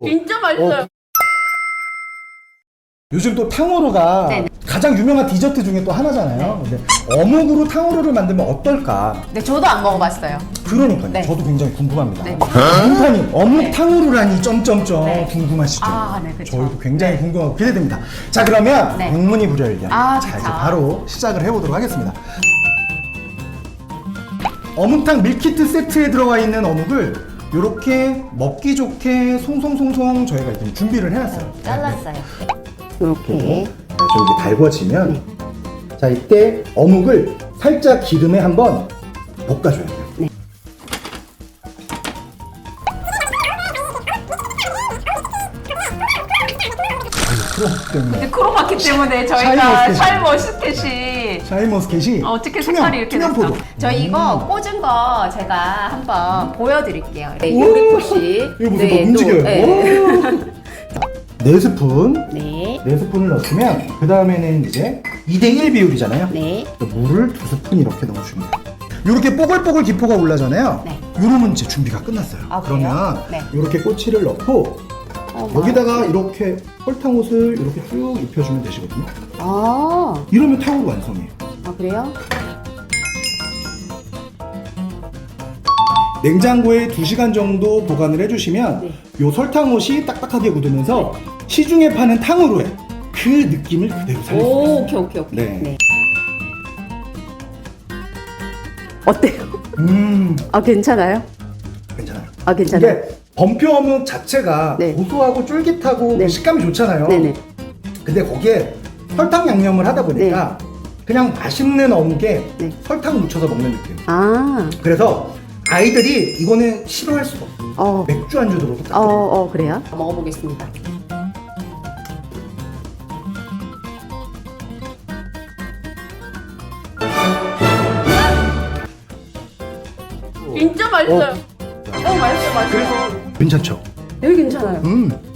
진짜 맛있어요. 요즘 또 탕후루가 네네. 가장 유명한 디저트 중에 또 하나잖아요. 근데 어묵으로 탕후루를 만들면 어떨까? 네, 저도 안 먹어봤어요. 그러니까요. 네. 저도 굉장히 궁금합니다. 네. 문파님 어묵 네. 탕후루라니 점점점 네. 궁금하시죠? 아, 네, 그쵸. 저희도 굉장히 궁금하고 기대됩니다. 자, 그러면 네. 백문이 불여일견. 아, 자, 그쵸. 이제 바로 시작을 해보도록 하겠습니다. 어묵탕 밀키트 세트에 들어가 있는 어묵을 이렇게 먹기 좋게 송송송송 저희가 이렇게 준비를 해놨어요. 잘랐어요. 그리고 이렇게. 저기 달궈지면 자, 이때 어묵을 살짝 기름에 한번 볶아줘야 돼요. 네. 크로마키 때문에 근데 크로마키 때문에 샤인머스켓이. 저희가 샤인머스켓이 샤인머스켓이 어떻게 색깔이 이렇게 됐어? 투명포도. 저희 이거 꽂은 거 제가 한번 보여드릴게요. 네, 우와. 요리포시. 이거 보세요. 막 움직여요. 네. 4스푼 네. 4스푼을 넣었으면 그 다음에는 이제 2대1 비율이잖아요. 네. 물을 2스푼 이렇게 넣어줍니다. 이렇게 뽀글뽀글 기포가 올라잖아요. 네. 이러면 이제 준비가 끝났어요. 아, 그래요? 그러면 네. 이렇게 꼬치를 넣고 여기다가 이렇게 설탕옷을 이렇게 쭉 입혀주면 되시거든요. 아, 이러면 탕후루 완성이에요. 아 그래요? 냉장고에 2시간 정도 보관을 해주시면 네. 요 설탕옷이 딱딱하게 굳으면서 시중에 파는 탕후루의 그 느낌을 그대로 살릴 수 있어요. 오, 오케이, 오케이, 오케이. 네. 어때요? 아, 괜찮아요? 괜찮아요. 아, 괜찮아요? 근데 범표 어묵 자체가 네. 고소하고 쫄깃하고 네. 식감이 좋잖아요. 네네. 근데 거기에 설탕 양념을 하다 보니까 그냥 맛있는 어묵에 네. 설탕 묻혀서 먹는 느낌. 아, 그래서 아이들이 이거는 싫어할 수가 없어요. 어, 맥주 안주로 똑같아요. 그래요? 먹어보겠습니다. 진짜 맛있어요. 맛있어요, 맛있어요. 괜찮죠? 여기 괜찮아요.